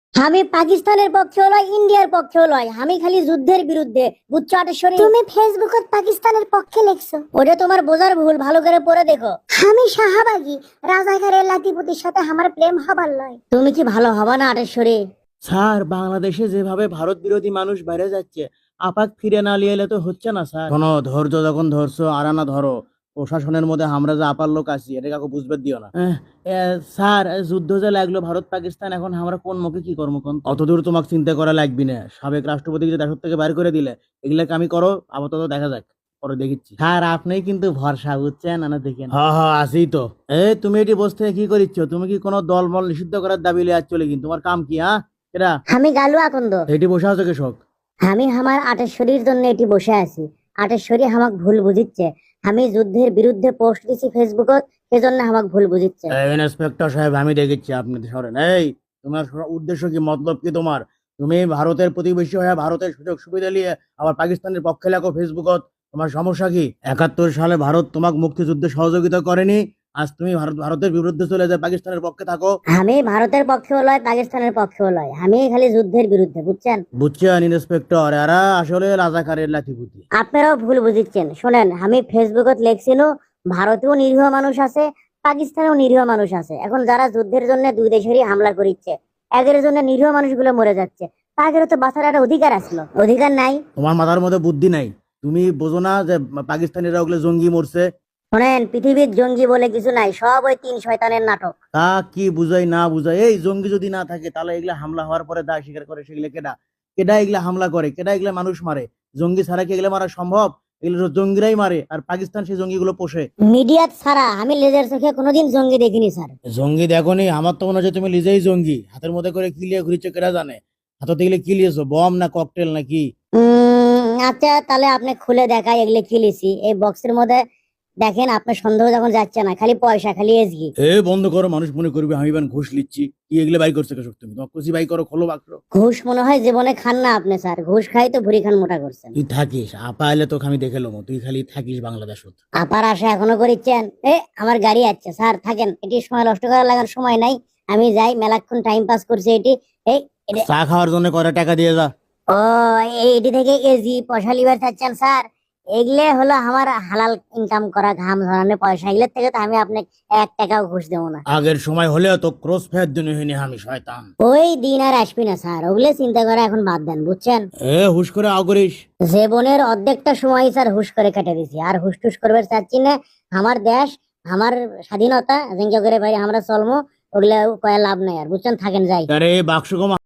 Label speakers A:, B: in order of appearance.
A: আমি পাকিস্তানের পক্ষেও লয়, ইন্ডিয়ার পক্ষেও লয়, আমি খালি যুদ্ধের বিরুদ্ধে, বুঝছো আটেশ্বরী? তুমি ফেসবুকত পাকিস্তানের পক্ষে লেখছো, ওটা তোমার বোঝার ভুল, ভালো করে পড়ে দেখো। আমি শাহবাগী রাজাকারের লাতিপুতির সাথে আমার প্রেম হবার লয়। তুমি কি ভালো হবা না আটেশ্বরী?
B: স্যার, বাংলাদেশে যেভাবে ভারত বিরোধী মানুষ বেড়ে যাচ্ছে, আপাক ফিরে না লিয়ে এলে তো হচ্ছে না স্যার। শোনো, ধৈর্য যখন ধরছো আরানা ধরো। প্রশাসনের মধ্যে আমরা যে আপার লোক আছি এটা কাউকে বুঝবে দিও না। স্যার, যুদ্ধ যে লাগলো ভারত পাকিস্তান, এখন আমরা কোন মুখে কি করবো কোন? অতদূর তোমাকে চিন্তা করা লাগবি না। সাবেক রাষ্ট্রপতিকে যে দেশ থেকে বাইর করে দিলে, এগুলাকে আমি করো আপাতত দেখা যাক, পরে দেখিচ্ছি। স্যার, আপনি কিন্তু ভরসা, বুঝছেন না? দেখেন, হ্যাঁ হ্যাঁ আসি তো। তুমি এটি বসতে কি করিচ্ছ? তুমি কি কোনো দল মল নিষিদ্ধ করার দাবি লিয়ে চলে? কিন্তু তোমার কাম কি? এরা
A: আমি গালু আকন্দ।
B: এটি বসে আছো কৃষক?
A: আমি আমার আটেশ্বরীর জন্য এটি বসে আছি। আটেশ্বরী আমাক ভুল বুঝিচ্ছে। আমি যুদ্ধের বিরুদ্ধে পোস্ট দিছি ফেসবুকত, সেজন্য আমাক ভুল বুঝিচ্ছে।
B: ইন্সপেক্টর সাহেব, আমি দেখেছি আপনি সরেন। এই, তোমার উদ্দেশ্য কি, মতলব কি তোমার? তুমি ভারতের প্রতিবেশী হয়ে ভারতের সুযোগ সুবিধা নিয়ে আবার পাকিস্তানের পক্ষে লেখো ফেসবুকত। তোমার সমস্যা কি? 71 সালে ভারত তোমাকে মুক্তিযুদ্ধে সহযোগিতা করেনি, আজ তুমি ভারতের বিরুদ্ধে চলে যায় পাকিস্তানের পক্ষে থাকো।
A: আমি ভারতের পক্ষেও লয়, পাকিস্তানের পক্ষেও লয়, আমি খালি যুদ্ধের বিরুদ্ধে, বুঝছেন?
B: বুঝছেন ইন্সপেক্টর, এরা আসলে রাজাকারের লাঠিপুতি।
A: আপনারাও ভুল বুঝিচ্ছেন। শোনেন, আমি ফেসবুকত লেখছিল ভারতেও নিরীহ মানুষ আছে, পাকিস্তানেও নিরীহ মানুষ আছে। এখন যারা যুদ্ধের জন্য দুই দেশেরই হামলা করিচ্ছে, এদের জন্য নিরীহ মানুষগুলো মরে যাচ্ছে, তাদেরও তো বাঁচার একটা অধিকার আসলো, অধিকার নাই?
B: তোমার মাথার মধ্যে বুদ্ধি নাই? তুমি বোঝো না যে পাকিস্তানিরা ওগুলো জঙ্গি মরছে?
A: শোনেন, পৃথিবীর জঙ্গি বলে কিছু নাই, সব ওই তিন শয়তানের নাটক।
B: তা কি বুঝাই না বুঝাই? এই জঙ্গি যদি না থাকে তাহলে এগুলা হামলা হওয়ার পরে দায় স্বীকার করে সেগুলো কেডা? কেডা এগুলা হামলা করে? কেডা এগুলা মানুষ মারে? জঙ্গি ছাড়া কি এগুলা মারা সম্ভব? এগুলো তো জঙ্গিরাই মারে, আর পাকিস্তান সেই জঙ্গিগুলো পোষে।
A: মিডিয়া ছাড়া আমি লেজার চোখে কোনোদিন জঙ্গি দেখিনি স্যার।
B: জঙ্গি দেখোনি? আমার তো মনে হচ্ছে তুমি নিজেই জঙ্গি। হাতের মধ্যে করে কি লিয়ে ঘুরিচ্ছ কেডা জানে? হাতে এগুলো কি লিয়েছো, বম না ককটেল না কি?
A: আচ্ছা, তাহলে আপনি খুলে দেখাই এগুলো কি লিছি এই বক্সের মধ্যে। দেখেন, আপনার সন্দেহ যখন যাচ্ছে না, খালি পয়সা, খালি এসগি।
B: বন্ধ করো, মানুষ মনে করবে আমি বান ঘুষ লিচ্ছি। কি এগুলো বাই করছো কেসব? তুমি তোমার খুশি বাই করো, খোলো বাক্স।
A: ঘুষ মনে হয় জীবনে খান না আপনি স্যার, ঘুষ খাই তো ভুড়ি খান মোটা করছেন।
B: তুই থাকিস আপা এলে তোকে আমি দেখে লোমো, তুই খালি থাকিস বাংলাদেশত।
A: আপার আশা এখনো করিচ্ছেন? আমার গাড়ি আছে স্যার, থাকেন, এটি সময় নষ্ট করার লাগার সময় নাই। আমি যাই, মেলাক্ষণ টাইম পাস করছি এটি। এই
B: চা খাওয়ার জন্য কয়টা টাকা দিয়ে যা।
A: ও, এটি থেকে এজি পয়সা লিবার চাচ্ছেন স্যার? এগুলো হলো আমার হালাল ইনকাম করা ঘাম ঝরানোর পয়সা, এগুলোর থেকে তো আমি আপনাকে 1 টাকাও ঘুষ দেবো না।
B: আগের সময় হলেও তো ক্রস ফায়ার দিন হইনি আমি শয়তান।
A: ওই দিন আর আসবি না স্যার, ওগুলো চিন্তা করা এখন বাদ দেন, বুঝছেন?
B: হুশ করে আও করিস।
A: জীবনের অর্ধেকটা সময় স্যার হুশ করে কেটে দিছি, আর হুশ টুস করবে চাচ্ছি না। আমার দেশ, আমার স্বাধীনতা, যেঙ্গে করে ভাই আমরা চলমো, ওগুলা কয়া লাভ নাই আর, বুঝছেন? থাকেন, যাই।
B: আরে বাক্স কমা।